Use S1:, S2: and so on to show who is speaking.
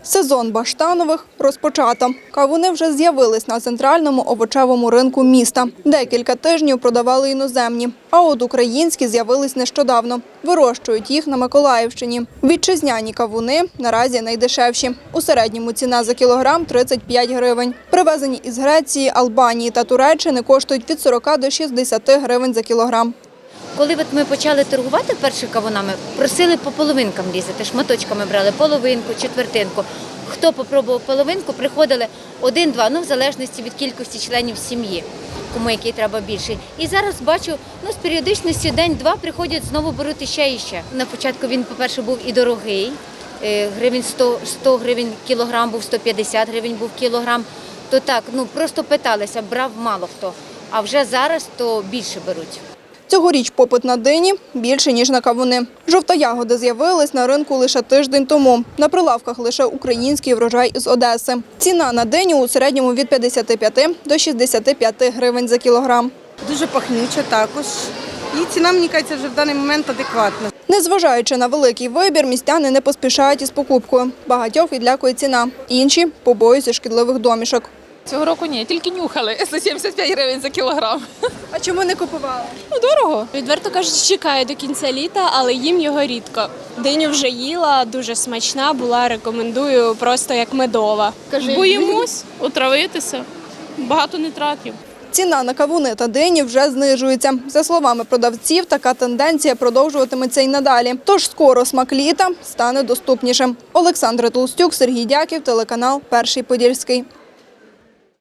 S1: Сезон баштанових розпочато. Кавуни вже з'явились на центральному овочевому ринку міста. Декілька тижнів продавали іноземні, а от українські з'явились нещодавно. Вирощують їх на Миколаївщині. Вітчизняні кавуни наразі найдешевші. У середньому ціна за кілограм – 35 гривень. Привезені із Греції, Албанії та Туреччини коштують від 40 до 60 гривень за кілограм.
S2: Коли ми почали торгувати першими кавунами, просили по половинкам різати, шматочками брали половинку, четвертинку. Хто попробував половинку, приходили один-два, в залежності від кількості членів сім'ї, кому який треба більший. І зараз бачу, з періодичністю день-два приходять, знову беруть іще і ще. На початку він, по-перше, був і дорогий, гривень 100 гривень кілограм був, 150 гривень був кілограм. То так, просто питалися, брав мало хто, а вже зараз то більше беруть.
S1: Цьогоріч попит на дині більше, ніж на кавуни. Жовтоягоди з'явились на ринку лише тиждень тому. На прилавках лише український врожай із Одеси. Ціна на диню у середньому від 55 до 65 гривень за кілограм.
S3: Дуже пахнюча також. І ціна, мені кажеться, вже в даний момент адекватна.
S1: Незважаючи на великий вибір, містяни не поспішають із покупкою. Багатьох відлякує ціна. Інші побоюються шкідливих домішок.
S4: Цього року ні, тільки нюхали. 175 гривень за кілограм.
S1: А чому не купували?
S4: Дорого.
S5: Відверто кажучи, чекаю до кінця літа, але їм його рідко. Диню вже їла, дуже смачна була, рекомендую, просто як медова.
S4: Боїмось отравитися, багато нитратів.
S1: Ціна на кавуни та дині вже знижується. За словами продавців, така тенденція продовжуватиметься й надалі. Тож скоро смак літа стане доступнішим. Олександра Толстюк, Сергій Дяків, телеканал «Перший Подільський».